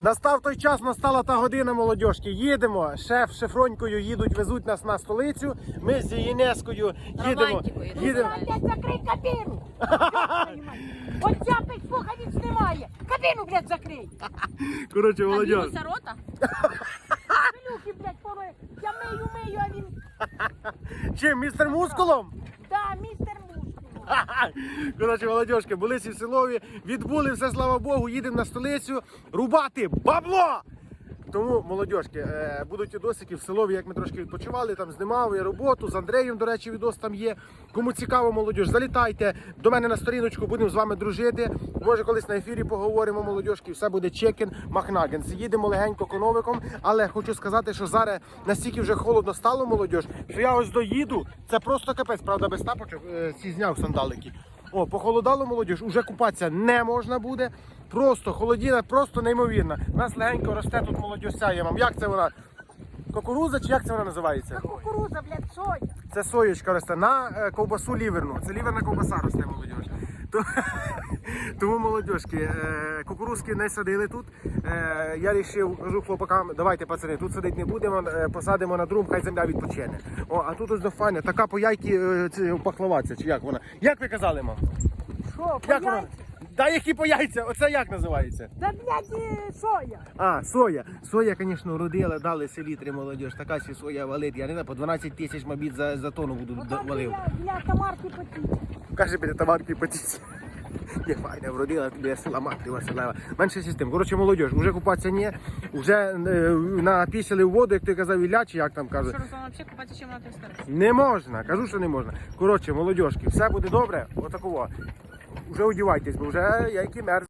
Настав той час, настала та година, молодьожки. Їдемо. Шеф з Шефронькою їдуть, везуть нас на столицю. Ми з Єнескою їдемо. Блядь, закрий кабіну! От цяпить слухавіць немає. Кабіну, блядь, закрий. Коротше, молодіж. Кабіну рота? Пилюки, блядь, помою. Я мию, а він... Чим, містер Мускулом? Да, містер Мускул. Коротше, молодіжки, були всі в селові, відбули все, слава Богу, їдемо на столицю рубати бабло! Тому, молодіжки, будуть відосики в селові, як ми трошки відпочивали, там знімав я роботу, з Андреєм, до речі, відос там є. Кому цікаво, молодіж, залітайте до мене на сторіночку, будемо з вами дружити. Може, колись на ефірі поговоримо, молодіжки, все буде чекен, махнагенс. Їдемо легенько коновиком, але хочу сказати, що зараз настільки вже холодно стало, молодіж, що я ось доїду, це просто капець, правда, без тапочок, ці зняв сандалики. О, похолодало, молодіж, уже купатися не можна буде. Просто холодіна, просто неймовірна. У нас легенько росте тут молодіж я вам. Як це вона? Кукуруза чи як це вона називається? Та кукуруза, блядь, соя. Це соєчка росте на ковбасу ліверну. Це ліверна ковбаса росте, молодіж. Тому, молодіжки, кукурузки не садили тут. Я вирішив, кажу хлопакам, давайте, пацани, тут садити не будемо, посадимо на друм, хай земля відпочине. О, а тут ось дофайне, така по яйки пахлаваця, чи як вона? Як ви казали, мам? Що, Як вона? яйця? Та які по яйця? Оце як називається? Та, блядь, соя. А, соя. Соя, звісно, родила, дали селітри, молодіж. Така сі соя валить. Я не знаю, по 12 тисяч, мабуть, за тонну буду Отак валив. для Тамарки потіти. Каже, біля товарки потіться. Є файна, вродила, тобі села мати Василева. Менше систем. Коротше, молодіж, вже купатися ні. Вже напісили в воду, як ти казав, Ілля, чи як там каже. Що, Руслан, взагалі купатися чим на той старості? Не можна, кажу, що не можна. Коротше, молодіжки, все буде добре, отакого. Вже одівайтесь, бо вже яйки мерзнуть.